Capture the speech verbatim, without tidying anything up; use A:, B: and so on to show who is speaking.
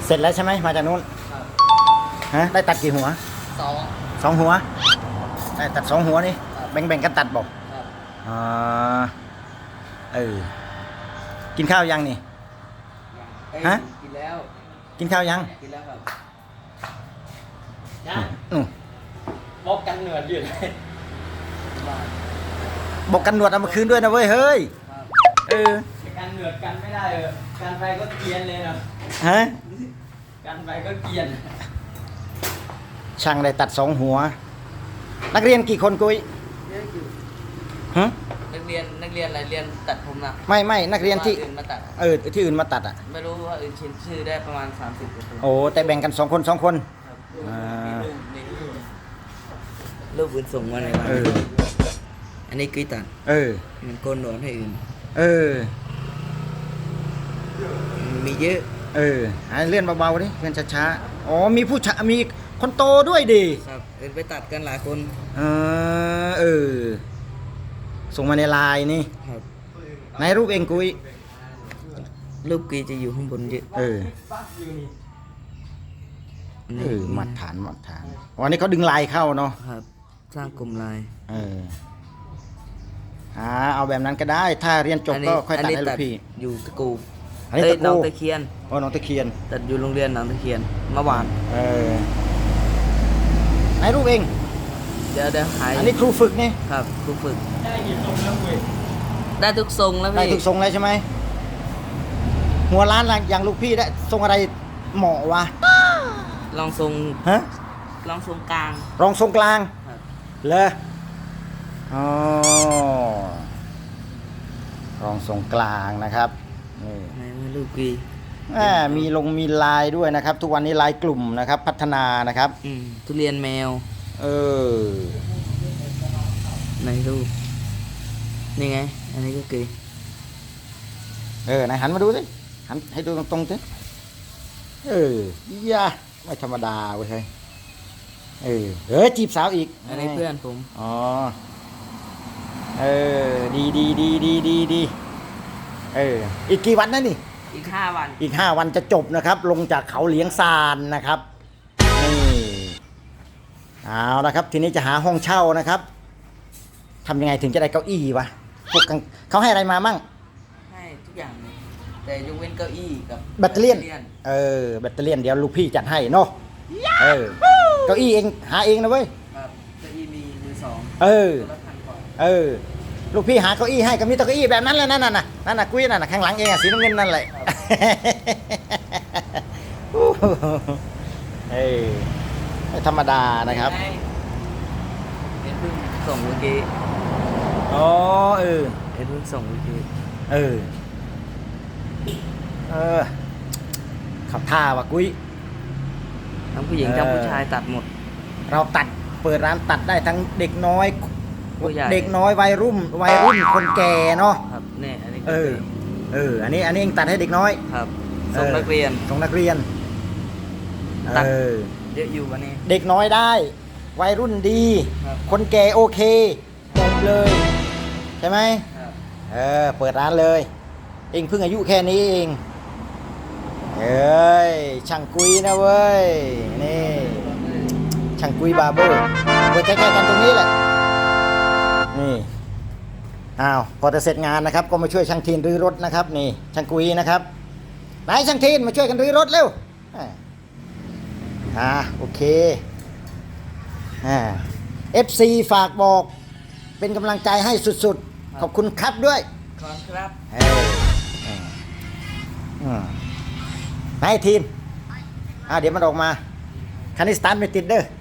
A: เสร็จแล้วใช่ไหมมาจากนู้นฮะได้ตัดกี่หัว
B: สอง
A: สองหัวได้ตัดสองหัวนี่แบ่งแบ่งกันตัดบอกอ่าเออกินข้าวยังนี่ฮะ
B: กินแล้ว
A: กินข้าวยัง
B: กินแล้วครับ
A: อืม
B: บอกกันเหนืออยู่เลย
A: บอกกันหนวดเอามาคืนด้วยนะเว้ยเฮ้ยเออ
B: กันเหนือกันไม่ได้เออกันไปก็เกียนเลยนะ
A: ฮะ
B: กันไปก็เกียน
A: ช่างได้ตัดสองหัวนักเรียนกี่คนกุ้ยฮะ
B: นักเรียนนักเรียนอะไรเรียนตัดผมนะ
A: ไม่ไม่นักเรียนที่
B: อื่นมาตัด
A: เออที่อื่นมาตัดอ่ะ
B: ไม่รู้ว่าอื่นชื่อชื่อได้ประมาณสามสิบคน
A: โอ้แต่แบ่งกันสองคนสองคน
B: รูปอื่นส่งมาในวันอันนี้กุ้ยตัด
A: เออ
B: มันโกนหนวดให้อื่น
A: เออ
B: มีเยอะ
A: เออเลื่อนเบาๆดิเลื่อนช้าๆอ๋อมีผู้ชายมีคนโตด้วยดิ
B: ครับเอื่นไปตัดกันหลายคน
A: เออเออส่งมาในไลน์นี่
B: ครับ
A: ในรูปเองกุ้ย
B: รูปกุ้ยจะอยู่ข้างบนเยอะ
A: เออเออมัดฐานมัดฐานวันนี้เขาดึงลายเข้าเนาะ
B: ครับสร้างกลุ่มลาย
A: เอออ่าเอาแบบนั้นก็ได้ถ้าเรียนจบก็ค่อยตัดให้ลูกพี่
B: อยู่ตะกู
A: อันนี้ตะกู
B: น้องตะเคียน
A: อ๋อน้องตะเคียน
B: ตัดอยู่โรงเรียนน้องตะเคียนเมื่อวาน
A: เออในรูปเอง
B: เดี๋ยวเดี๋ยวหาย
A: อันนี้ครูฝึกนี่
B: ครับครูฝึกได้กี่ทรงแล้วเว้ยได้ทุกทรงแล้วพี่
A: ได้ทุกทรงเลยใช่ไหมหัวล้านอย่างลูกพี่ได้ทรงอะไรเหมาะวะ
B: ลองทรง
A: ฮะ
B: ลองทรงกลาง
A: ลองทรงกลางเลยอ๋อลองทรงกลางนะครับนี่
B: ในลูกกี
A: มีลงมีลายด้วยนะครับทุกวันนี้ลายกลุ่มนะครับพัฒนานะครับ
B: ทุเรียนแมว
A: เออ
B: ในรูปนี่ไงอันนี้ก็กี
A: เออไหนหันมาดูสิหันให้ดูตรงๆสิเออย่าไม่ธรรมดาเว้ยเออเออจีบสาวอีก
B: อันนี้เพื่อนผม
A: อ๋อเออดีดีดีดีดีดีเอออีกกี่วันนะนี่
B: อีกห้าวัน
A: อีกห้าวันจะจบนะครับลงจากเขาเหลียงซานนะครับนี่เอาละครับทีนี้จะหาห้องเช่านะครับทำยังไงถึงจะได้เก้าอี้วะพวกเขาให้อะไรมามั่ง
B: ให้ทุกอย่างแต่ยกเว้นเก้าอี้กับ
A: แบตเตอรี่เออแบตเตอรี่เดี๋ยวลูกพี่จัดให้เนาะเออเก้าอี้เองหาเองนะเว้ย
B: ครับเก้าอี้มีมือสอง
A: เออเออลูกพี่หาเก้าอี้ให้ก็มีเก้าอี้แบบนั้นแหละนั่นน่ะนั่นน่ะกุ้ยนั่นน่ะข้างหลังเองอ่ะสีน้ำเงินนั่นแหละเออไม่ธรรมดานะครับ
B: เห็นเพิ่งส่งเมื่อกี้
A: อ๋อเออ
B: เห็นเพิ่งส่งเมื่อกี้
A: เออเออขับท่าว่ะกุ้ย
B: ทั้งผู้หญิงทั้งผู้ชายตัดหมด
A: เราตัดเปิดร้านตัดได้ทั้งเด็กน้อยเด็กน้อยวัยรุ่นวัยรุ่นคนแก่เนาะ
B: ครับเนี่ยอันนี้
A: เออเอออันนี้อันนี้เองตัดให้เด็กน้อย
B: ครับส่งนักเรียน
A: ส่งนักเรียน
B: ตัดเยอะอยู่วันนี้
A: เด็กน้อยได้วัยรุ่นดีคนแก่โอเคจบเลยใช่ไหมเออเปิดร้านเลยเองเพิ่งอายุแค่นี้เองเอ้ยช่างกุยนะเว้ยนี่ช่างกุยบาร์เบอร์เปิดใกล้ๆกันตรงนี้แหละนี่อ้าวพอจะเสร็จงานนะครับก็มาช่วยช่างทีนรื้อรถนะครับนี่ช่างกุยนะครับไหนช่างทีนมาช่วยกันรื้อรถเร็วอ่าโอเคอ่า เอฟ ซี ฝากบอกเป็นกำลังใจให้สุดๆขอบคุณครับด้วย
B: ขอบคุณครับ
A: เอออืมให้ทีนอ่าเดี๋ยวมันออกมาคันนี้สตาร์ทไม่ติดเด้อ